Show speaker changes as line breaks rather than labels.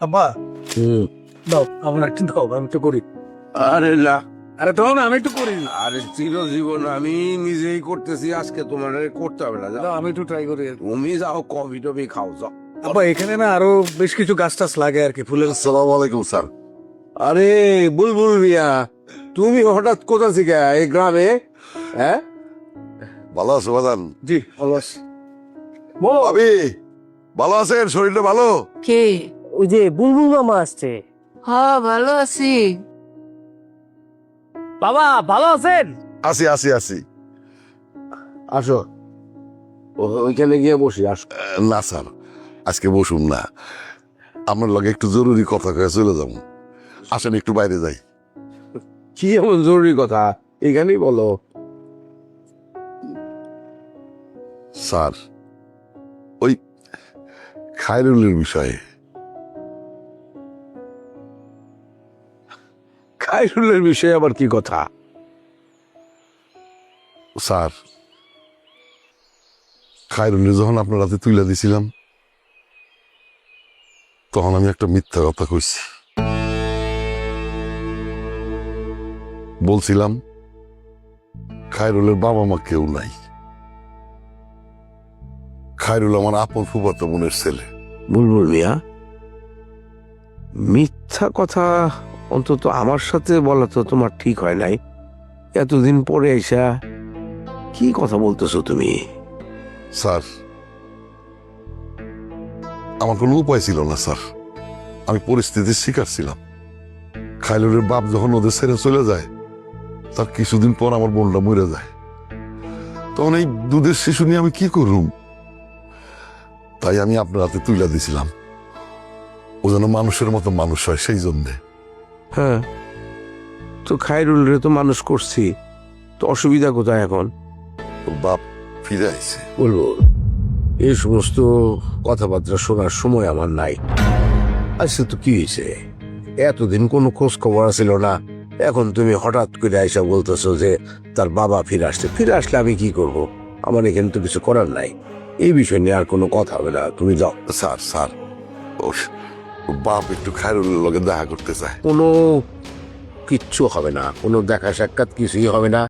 আব্বা দাও আমার একটু দাও, আমি একটু করি।
আরে না,
আরে দাও না, আমি একটু করি।
আরে চিরজীবন আমি নিজেই করতেছি, আজকে তোমার করতে হবে না। যাও,
দাও, আমি একটু ট্রাই করি।
তুমি যাও কফি টফি খাও যাও।
আব্বা এখানে না আরো বেশ কিছু গাছ টাছ লাগে আর কি, ফুলের।
আসসালামু আলাইকুম স্যার।
আরে বুলবুল মিয়া, তুমি হঠাৎ কোথা থেকে এই গ্রামে? হ্যাঁ,
ভালো আছো বাদান?
জি ভালো আছি।
ভাবি ভালো আছেন? শরীরটা ভালো?
কে?
ওই যে বুলবুল মামা আসছে।
হ্যাঁ ভালো আছি।
বাবা ভালো আছেন?
আছি আছি আছি।
আসো ওইখানে গিয়ে বসি। আসো।
না স্যার, আজকে বসুন না, আপনার লগে একটু জরুরি কথা কয়ে চলে যাবো। আসেন একটু বাইরে যাই।
কি এমন জরুরি কথা, এখানেই বলো।
স্যার, ওই খায়রুলের বিষয়ে।
খায়রুলের বিষয়ে আবার কি কথা?
স্যার, খায়রুলের যখন আপনার হাতে তুলে দিছিলাম, তখন আমি একটা মিথ্যা কথা কইছি। বলছিলাম খায়রুলের বাবা মা কেউ নাই, খায়রুল আমার আপন ফুফাতো বোনের ছেলে।
বুলবুল মিয়া, মিথ্যা কথা অন্তত আমার সাথে বলা তো তোমার ঠিক হয় নাই। এতদিন পরে এসা কি কথা বলতেছো তুমি?
স্যার, আমার কোনো উপায় ছিল না স্যার, আমি পরিস্থিতির শিকার ছিলাম। খায়রুলের বাপ যখন ওদের ছেড়ে চলে যায়, তার কিছুদিন পর আমার বোনটা মরে যায়। তখন এই দুধের শিশু নিয়ে আমি কি করুম? তাই আমি আপনার হাতে তুলে দিছিলাম, ও যেন মানুষের মতো মানুষ হয়, সেই জন্যে।
হ্যাঁ, তো খায়রুল রে তো মানুষ করছি, তো অসুবিধা কোথায় এখন?
ওর বাপ ফিরে আইছে।
বলবো এই সমস্ত কথাবার্তা শোনার সময় আমার নাই। আচ্ছা, তো কি হয়েছে? এতদিন কোনো খোঁজ খবর ছিল না, এখন তুমি হঠাৎ করে আইসা বলতেছো যে তার বাবা ফিরে আসছে। ফিরে আসলে আমি কি করব? আমার এখানে তো কিছু করার নাই। এই বিষয় নিয়ে আর কোনো কথা হবে না, তুমি যাও।
স্যার স্যার, ওর বাপ একটু খায়রুলের লগে দেখা করতে চায়।
কোনো কিচ্ছু হবে না, কোনো দেখা সাক্ষাৎ কিছুই হবে না।